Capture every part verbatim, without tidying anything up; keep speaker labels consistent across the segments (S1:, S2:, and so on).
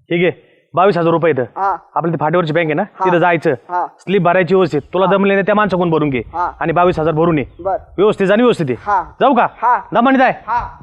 S1: ठीक आहे बावीस हजार रुपये इथं आपल्या ती फाटीवरची बँक आहे ना तिथं जायचं स्लिप भरायची व्यवस्थित तुला जमले त्या माणसाकडून भरून घे आणि बावीस हजार भरून ये व्यवस्थित आणि व्यवस्थित ये जाऊ का दमानी जाय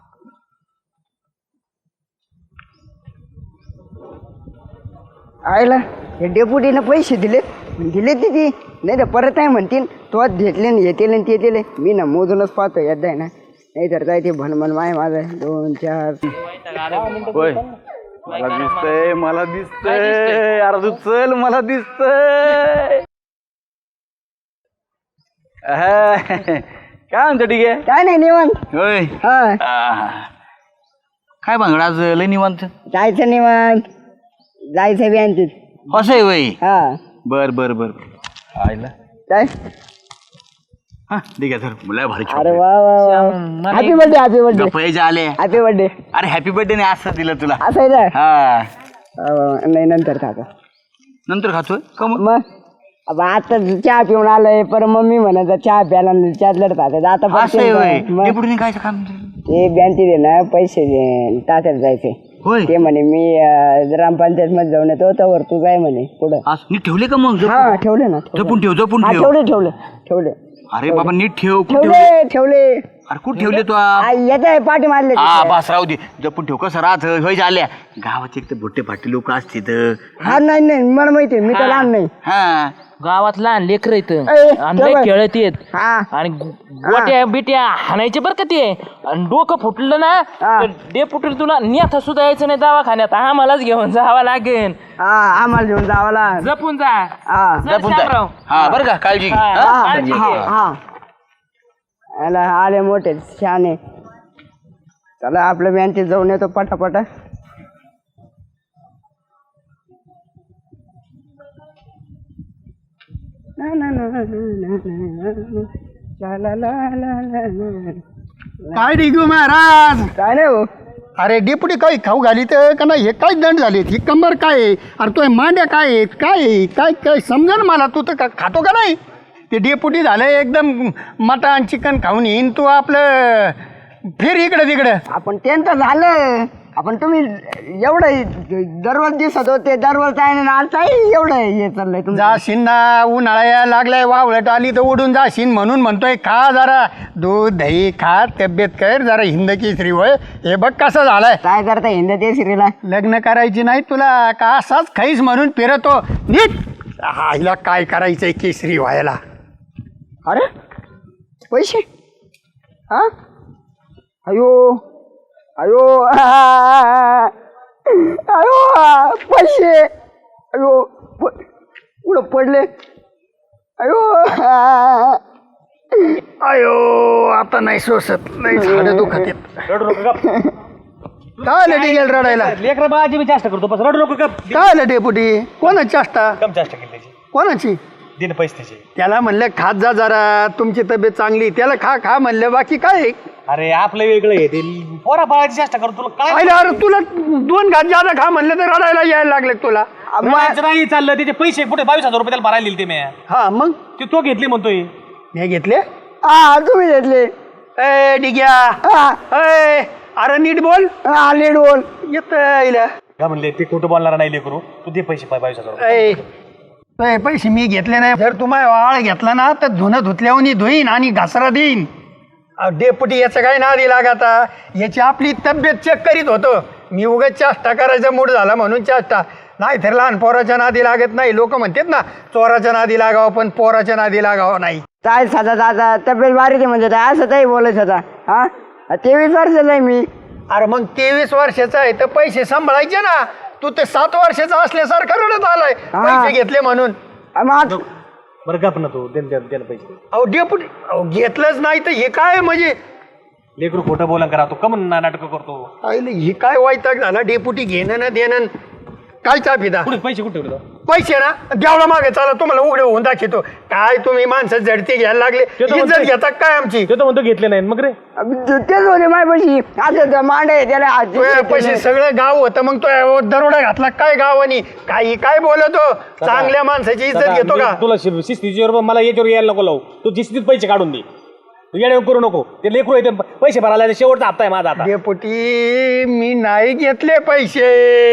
S2: आयला हे डेपुटीनं पैसे दिले दिले तिथे नाही तर परत नाही म्हणतील तो घेतले ना येतील आणि ते दिले मी ना मोजूनच पाहतो एकदा ना नाही तर काय ते भनभन माय माझं दोन चार
S3: मला दिसतंय मला दिसतंय अरे तू चल मला दिसतंय काय म्हणतो ठीक आहे
S2: काय नाही निवांत
S3: होय
S2: हा
S3: काय भांगड आज लय निवांत
S2: जायचं निवांत जायचं बँकेत
S3: असं आहे वय
S2: हा
S3: बर बर बर आयला
S2: काय
S3: हा ठीक आहे सर मुला भारी
S2: अरे वा वा हॅपी बर्थडे हॅपी बर्थडे
S3: पैसे आले
S2: हॅपी बर्थडे
S3: अरे हॅपी बर्थडे नाही असं दिलं तुला
S2: असं आहे ना
S3: हा
S2: नाही नंतर खाता
S3: नंतर खातोय का मग
S2: मग अब आता चहा पिऊन आलोय पर मम्मी म्हणायचं चहा प्याला चहा लढत आता
S3: असं आहे वय डेपुटीने काय काम
S2: ते बँकेत ना पैसे टाकायला जायचे
S3: होय
S2: ते म्हणे मी ग्रामपंचायत मध्ये जाऊन येतो त्यावर तू काय म्हणे पुढं
S3: नीट ठेवले का मग
S2: हा ठेवले ना
S3: जपून ठेव जपून ठेव
S2: ठेवले ठेवले ठेवले
S3: अरे बाबा नीट ठेव
S2: ठेवले ठेवले
S3: अरे कुठे ठेवले तू
S2: येत आहे पाठी मारले
S3: हा बस राहू दे जपून ठेव कसं राहत होय झाल्या गावाचे एक तर भोटे फाटे लोक असतात
S2: हा नाही नाही मला माहिती मी तर लहान नाही
S3: हा
S4: गावात लहान लेकर येत
S2: तेव्हा-
S4: खेळत येत
S2: हा
S4: आणि गोट्या बिट्या हाणायचे बरं का ते आणि डोकं फुटलं ना
S2: हा.
S4: डे फुटलं तुला नेता सुद्धा यायचं नाही दवाखान्यात आम्हालाच घेऊन जावं लागेल
S2: हा आम्हाला घेऊन जावं लागेल.
S4: जपून जा
S2: हा
S4: चल शामराव.
S3: हा बरं का काळजी घे
S4: हा,
S3: हा?
S4: काळजी घे.
S2: हा हा याला आले मोठे शहाणे चला आपल्या बँकेत जाऊन येतो पटापटा ना ना ना ना ना ना. ला ला ला ला ला ला.
S5: काय डिगू महाराज
S2: काय नाही हो
S5: अरे डेपुटी काही खाऊ घाली तर का नाही हे काय दंड झाले ही कंबर काय आहे अरे तो मांड्या काय आहेत काय आहे? काय काय समजा ना मला तू तर का खातो का नाही ते डेपुटी झालं एकदम मटण चिकन खाऊन येईन तू आपलं फिर इकडं तिकडं
S2: आपण त्यांचं झालं आपण तुम्ही एवढं दररोज दिसत होते दररोज आहे ना आज आहे एवढं हे चाललंय तुमचं
S5: जाशीन ना उन्हाळा यायला लागलाय वावळट आली तर उडून जाशीन म्हणून म्हणतोय खा जरा दूध दही खा तब्येत कर जरा हिंद केसरी होय हे बघ कसं झालंय
S2: काय करता हिंद ते श्रीला
S5: लग्न करायची नाही तुला का असाच खाईस म्हणून फिरतो नीट आईला काय करायचंय केसरी व्हायला
S2: अरे पैसे हा अयो अयो अयो पैसे अयो पुढं पडले अयो
S5: अयो आता नाही सोसत नाही झाडं दुखत आहेत
S1: रडू नको गप
S5: काय आलं डिगेल रडायला
S1: लेकरं बाळाची मी जास्त करतो बस रडू नको गप
S5: काय आलं डेपुटी कोणाची चेष्टा
S1: कम जास्त केली त्याची
S5: कोणाची
S1: दिन पैसे त्याचे
S5: त्याला म्हणलं खात जा जरा तुमची तब्येत चांगली त्याला खा खा म्हणलं बाकी काय
S1: अरे आपलं वेगळं आहे ते पोरा बाळाची जास्त करतो तुला काय
S5: आईला अरे तुला दोन घात जादा खा म्हणलं तर रडायला यायला लागले तुला
S1: रडायचं नाही चाललं त्याचे पैसे कुठे बावीस हजार रुपये त्याला भरायला दिले ते मी
S5: हा मग
S1: ते तो घेतली म्हणतोय
S5: हे घेतले
S2: हा तुम्ही घेतले
S5: ए डिग्या
S2: हा
S5: ए अरे नीट बोल
S2: हा नीट बोल
S5: येत
S1: का म्हणले ते खोटं बोलणार नाही लेकरू तू दे पैसे पाय बावीस हजार रुपये.
S5: ए पैसे मी घेतले नाही जर तुम्हाला वाळ घेतला ना तर धुणं धुतल्यावर धुईन आणि घासरा देईन डेपुटी याचं काही नादी लागाता याची आपली तब्येत चेक करीत होतो मी उगाच चाष्टा करायचा मूड झाला म्हणून चाष्टा नाही तर लहान पोराच्या नादी लागत नाही लोक म्हणतात ना चोराच्या नादी लागावं पण पोराच्या नादी लागावं नाही
S2: काय साधा दादा तब्येत बारीक आहे म्हणजे काय असं काही बोलायचं होता हा तेवीस वर्षाचा आहे मी
S5: अरे मग तेवीस वर्षाचा आहे तर पैसे सांभाळायचे ना तू ते सात वर्षाचा असल्यासारखं रडत आलाय पैसे घेतले म्हणून
S2: मग
S1: बरं गप ना तू दे दे पैसे
S5: अहो डेपुटी अहो घेतलंच नाही तर हे काय म्हणजे
S1: लेकरू खोटं बोला करा तू कमन नाटक करतो
S5: आईले हे काय वैताग झाला डेपुटी घेणं ना देणं काय चा फिदा
S1: कुठे पैसे कुठे ठेवले
S5: पैसे ना देवळा मागे चाला तुम्हाला उघडे होऊन दाखवतो काय तुम्ही माणसं झडती घ्यायला लागले इज्जत घेता काय आमची
S1: ते तर म्हणतो घेतले नाही मग रे
S2: तेच होते माझ्या पैसे आता मांडे त्याला
S5: तुझ्या पैसे सगळं गाव होतं मग तो दरोडा घातला काय गावानी काही काय बोलतो चांगल्या माणसाची इज्जत घेतो का
S1: तुला शिस्तीची मला याच्यावर यायला नको लावू तू शिस्तीत पैसे काढून दे तू येणे करू नको ते लेकरू येते पैसे भरायला शेवटचा हप्ता आहे माझा आता
S5: डेपुटी मी नाही घेतले पैसे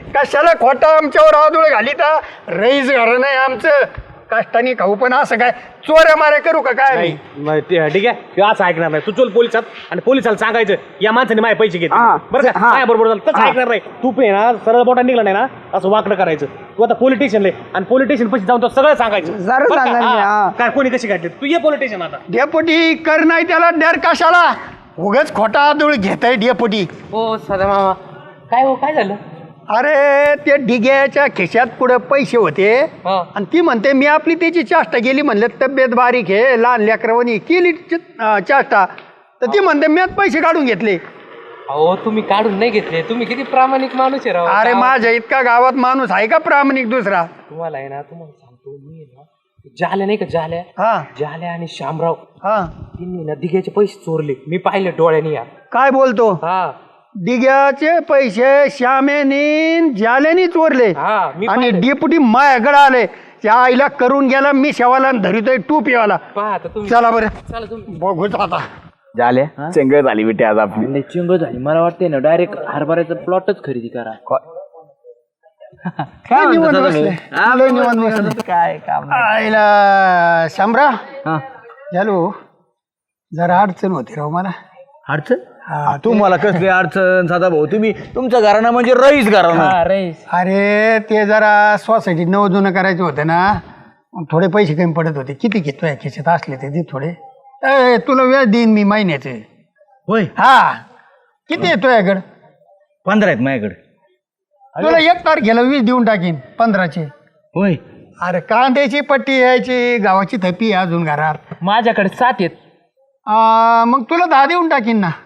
S5: कशाला खोटा आमच्यावर आदूळ घाली तर रईस घर नाही आमचं कष्टाने खाऊ पण असं काय चोऱ्या माऱ्या करू का काय आम्ही?
S1: नाही, ते- ठीक आहे ते असं ऐकणार नाही तू चल पोलिसात आणि पोलिसाला सांगायचं या माणसाने माझे पैसे घेतले
S2: हा,
S1: बरं का
S2: हा.
S1: काय बरोबर झालं तसं ऐकणार नाही तू पे ना सरळ बोटा निघला नाही ना असं वाकडं करायचं तू आता पोलिटिशियनले आणि पोलिटिशियन पैसे जाऊन तो सगळं सांगायचं
S2: जरूर
S1: बरं का?
S2: सांगाल मी,
S1: हा.
S2: हा.
S1: काय कोणी कशी काढली तू ये पोलिटिशियन आता
S5: डेपुटी कर नाही त्याला डर कशाला उगच खोटा आदूळ घेत आहे डेपुटी.
S4: हो सदा मामा काय हो काय झालं
S5: अरे ते डिग्याच्या खिशात पुढे पैसे होते
S4: हा.
S5: आणि ती म्हणते मी आपली त्याची चाष्टा केली म्हणलं तब्येत बारीक आहे लहान लेकरवणी केली च- अं, चाष्टा तर ती म्हणते मीच पैसे काढून घेतले.
S4: अहो तुम्ही काढून नाही घेतले तुम्ही किती प्रामाणिक माणूस आहे राव
S5: अरे
S4: गावात-
S5: माझ्या इतका गावात माणूस आहे का प्रामाणिक दुसरा.
S4: तुम्हाला आहे ना तुम्हाला सांगतो मी आहे ना जाल्या नाही का जाल्या
S5: हा
S4: जाल्या आणि शामराव
S5: हा
S4: त्यांनी ना दिघ्याचे पैसे चोरले मी पाहिले डोळ्याने यार
S5: काय बोलतो
S4: हा
S5: डिग्याचे पैसे श्यामेनी जाल्यानी चोरले
S4: हा मी
S5: आणि
S4: पाहिलं.
S5: डेपुटी मायाकडे आले त्या आईला करून गेला मी शेवाला धरितोय टूपीवाला.
S4: पहा आता तुम्ही
S5: चला बरं
S4: चला तुम्ही
S5: बघूच आता.
S3: झाल्या चंगळ झाली बेटी आज आपली
S4: चिंग झाली मला वाटते ना डायरेक्ट हरभऱ्याचा प्लॉटच खरेदी करा
S5: काय निवांत बसले लय निवांत बसले.
S3: काय काम
S5: आईला शामरा झालो जरा अडचण होती राव मला.
S3: अडचण तुम्हाला कसली अडचण साधा भाऊ तुम्ही तुमच्या घराणं म्हणजे रईस घराणं
S4: हा रेस
S5: अरे ते जरा सोसायटीत नवं जुनं करायचं होतं ना मग थोडे पैसे कमी पडत होते. किती घेतोय खिशात असले ते दे थोडे. ए तुला वेळ देईन मी महिन्याचे.
S3: होय
S5: हा किती येतोय याकडे
S3: पंधरा आहेत माझ्याकडे
S5: तुला एक तारखेला वीस देऊन टाकीन पंधराचे.
S3: होय
S5: अरे कांद्याची पट्टी यायची गावाची थपी आहे अजून घरात.
S4: माझ्याकडे सात आहेत
S5: आ, मग तुला दहा देऊन टाकीन ना.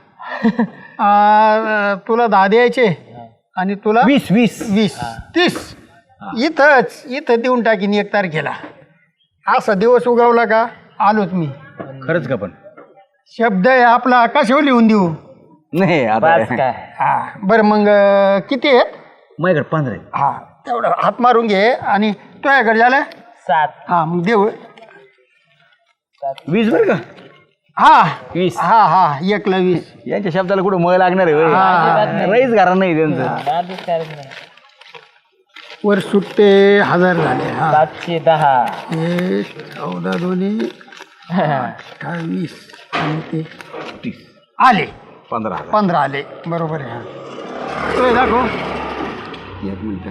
S5: आ, तुला दहा द्यायचे आणि तुला
S3: वीस वीस
S5: वीस तीस इथंच इथं देऊन टाकीन एक तारखेला. असा दिवस उगवला का आलोच मी.
S3: खरंच का पण
S5: शब्द आहे आपला कशावर लिहून देऊ.
S3: नाही
S4: बस
S3: आता
S4: काय
S5: हा बरं मग अं, किती आहेत.
S3: माझ्याकडे पंधरा आहेत
S5: हा तेवढं हात मारून घे आणि तुझ्याकडे झालं
S4: सात
S5: हा मग देऊ.
S3: वीस बरं का
S5: हा
S3: वीस
S5: हा हा एकला वीस.
S3: यांच्या शब्दाला कुठं मळ लागणार आहे होय. रईस घरा नाही त्यांचं
S5: वर सुट्टे हजार झाले. हा
S4: सातशे दहा
S5: एक चौदा दोन्ही अठ्ठावीस आणि ते
S3: तीस
S5: आले
S3: पंधरा हजार
S5: पंधरा आले बरोबर आहे. हा तो दाखव एक मिनिट.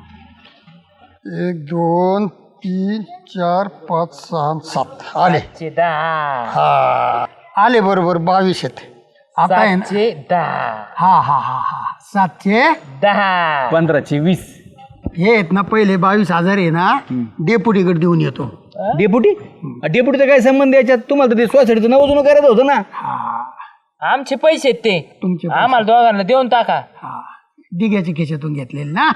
S5: एक दोन तीन चार पाच सहा सात आले.
S4: सातशे दहा
S5: हा आले बरोबर बावीस आहेत. आता आहे ना
S4: सातशे दहा
S5: हा हा हा हा सातशे
S4: दहा
S3: पंधराशे वीस
S5: हे आहेत ना पहिले बावीस हजार आहे ना डेपुटीकडे देऊन येतो.
S3: डेपुटी डेपुटीचा काय संबंध याच्यात तुम्हाला तर ते सोसायटीचं नवं जुनं करायचं होतं ना.
S4: आमचे पैसे आहेत ते
S5: तुमचे पैसे.
S4: आम्हाला दोघांना देऊन टाका
S5: हा डिग्याच्या खिशातून घेतलेले ना.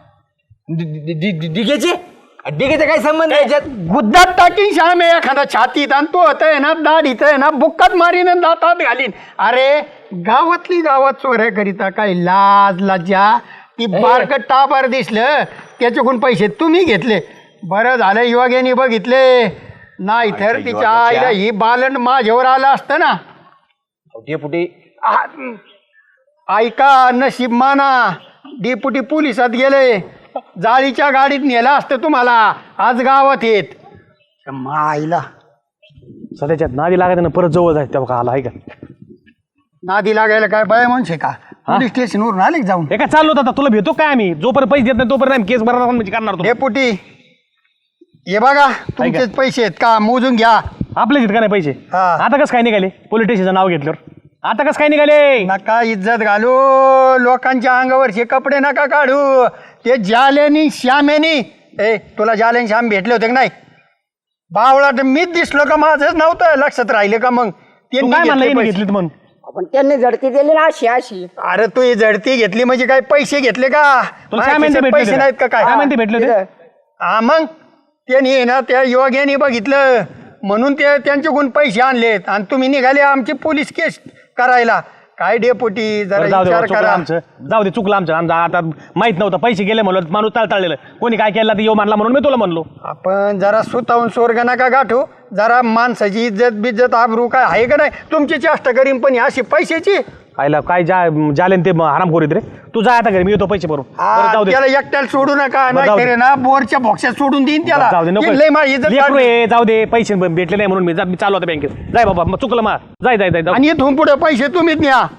S3: डिगेचे डिगेचा काय संबंध याच्यात
S5: गुद्दात टाकीन श्याम आहे एखादा छातीत आणि तो होत आहे ना दाढीत आहे ना बुक्कात मारीन आणि दातात घालीन. अरे गावातली गावात चोऱ्या करिता काय लाज लाजा ती बारकट टाबार दिसलं त्याच्याकडून पैसे तुम्ही घेतले. बरं झालं युवग्यानी बघितले नाही तर तिच्या आईला ही बालंड माझ्यावर आलं असतं ना.
S3: डेपुटी
S5: आ- ऐका नशीब माना डेपुटी पोलिसात गेले जाळीच्या गाडीत नेला असतं तुम्हाला आज गावात येत माईला.
S1: सध्याच्यात नादी लागायचं ना परत जवळ जायचं तेव्हा का आला आहे का
S5: नादी लागायला काय बाय म्हणशे का पोलीस स्टेशनवरून आले का जाऊन.
S1: हे काय चाललो आता तुला भेटतो काय आम्ही जोपर्यंत पैसे देत नाही तोपर्यंत आम्ही केस भरणार म्हणजे करणार तो
S5: डेपुटी हे बघा तुमचेच पैसे आहेत का मोजून घ्या.
S1: आपले का नाही पैसे
S5: हा.
S1: आता कसं काय निघाले पोलीस स्टेशनचं नाव घेतल्यावर आता कसं काय निघाले
S5: नका इज्जत घालू लोकांच्या अंगावरचे कपडे नका काढू. ते जाल्यानी श्यामेनी ए तुला जाल्यानी श्याम भेटले होते का नाही. बावळा तर मीच दिसलो का माझंच नव्हतं लक्षात राहिले का मग
S1: तू
S5: त्यांनी
S1: काय म्हणलं
S5: घेतले
S1: येणे
S5: पैसे.
S1: घेतलीत म्हणून
S2: आपण त्यांनी झडती दिली ना अशी अशी.
S5: अरे तू ही झडती घेतली म्हणजे काय पैसे घेतले का
S1: तुला
S5: माझ्या
S1: काय म्हणते
S5: खिशात
S1: भेटले
S5: पैसे
S1: होते?
S5: नाहीत का काय
S1: काय म्हणते भेटले होते?
S2: तिथं.
S5: हा मग त्यांनी ना त्या युवकांनी बघितलं म्हणून ते त्यांच्याकडून पैसे आणलेत आणि तुम्ही निघाले आमची पोलीस केस करायला. काय डेपुटी जरा
S1: बरं, जाऊ दे
S5: विचार
S1: बाबा, चुकलं
S5: करा.
S1: आमचं जाऊ दे चुकलं आमचं आमचं आता माहित नव्हतं पैसे गेले म्हणलं माणूस तळतळलेलं कोणी काय केलं तर येऊ मानला म्हणून मी तुला म्हणलो.
S5: आपण जरा सुतावून स्वर्ग नका गाठू. जरा माणसाची इज्जत बिज्जत आबरू काय आहे का नाही तुमची चेष्टा करीन पण ही अशी पैशाची
S1: आईला काय जा जाले ते हराम खोरीत रे. तू जा आता घरी, मी येतो पैसे भरून. बरं, जाऊ दे
S5: त्याला एकट्याला सोडू नका,
S1: बरं, जाऊ
S5: नाही
S1: दे.
S5: ना बोरच्या बॉक्सात सोडून देईन त्याला.
S1: जाऊ दे नको.
S5: ती लय माझी इज्जत
S1: लेकरू
S5: काढली.
S1: आहे, जाऊ दे. पैसे भेटले नाही म्हणून मी जा- मी चालू होता बँकेत. जाय बाबा, मग चुकलं मा. जाय जाय जाय जाऊ.
S5: आणि इथून पुढे पैसे तुम्हीच न्या.